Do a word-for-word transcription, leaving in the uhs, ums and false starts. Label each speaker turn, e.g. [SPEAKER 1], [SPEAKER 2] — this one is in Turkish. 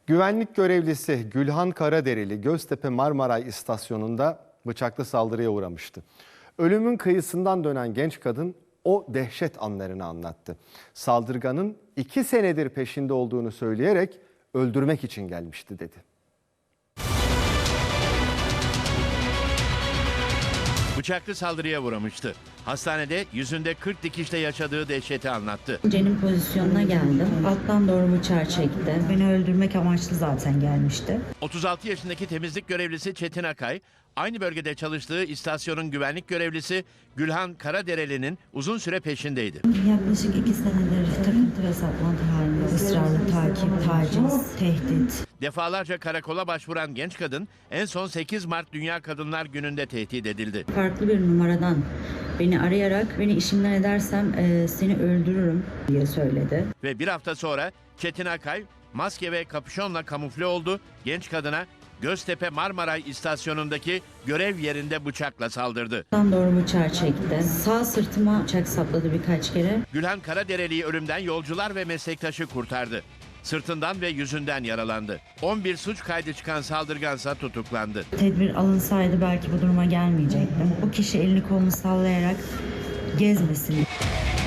[SPEAKER 1] Güvenlik görevlisi Gülhan Karadereli Göztepe Marmaray istasyonunda bıçaklı saldırıya uğramıştı. Ölümün kıyısından dönen genç kadın o dehşet anlarını anlattı. Saldırganın iki senedir peşinde olduğunu söyleyerek öldürmek için gelmişti dedi.
[SPEAKER 2] Bıçaklı saldırıya uğramıştı. Hastanede yüzünde kırk dikişle yaşadığı dehşeti anlattı.
[SPEAKER 3] Cenin pozisyonuna geldim. Alttan doğru bıçağı çekti. Beni öldürmek amaçlı zaten gelmişti.
[SPEAKER 2] otuz altı yaşındaki temizlik görevlisi Çetin Akay, aynı bölgede çalıştığı istasyonun güvenlik görevlisi Gülhan Karadereli'nin uzun süre peşindeydi.
[SPEAKER 3] Yaklaşık iki senedir takıntı ve saplantı halinde ısrarlı takip, taciz, tehdit.
[SPEAKER 2] Defalarca karakola başvuran genç kadın en son sekiz Mart Dünya Kadınlar Günü'nde tehdit edildi.
[SPEAKER 3] Farklı bir numaradan beni arayarak beni işimden edersem e, seni öldürürüm diye söyledi.
[SPEAKER 2] Ve bir hafta sonra Çetin Akay maske ve kapüşonla kamufle oldu. Genç kadına Göztepe Marmaray istasyonundaki görev yerinde bıçakla saldırdı.
[SPEAKER 3] Alttan doğru bıçağı çekti. Sağ sırtıma bıçak sapladı birkaç kere.
[SPEAKER 2] Gülhan Karadereli'yi ölümden yolcular ve meslektaşı kurtardı. Sırtından ve yüzünden yaralandı. on bir suç kaydı çıkan saldırgansa tutuklandı.
[SPEAKER 3] Tedbir alınsaydı belki bu duruma gelmeyecektim. O kişi elini kolunu sallayarak gezmesin.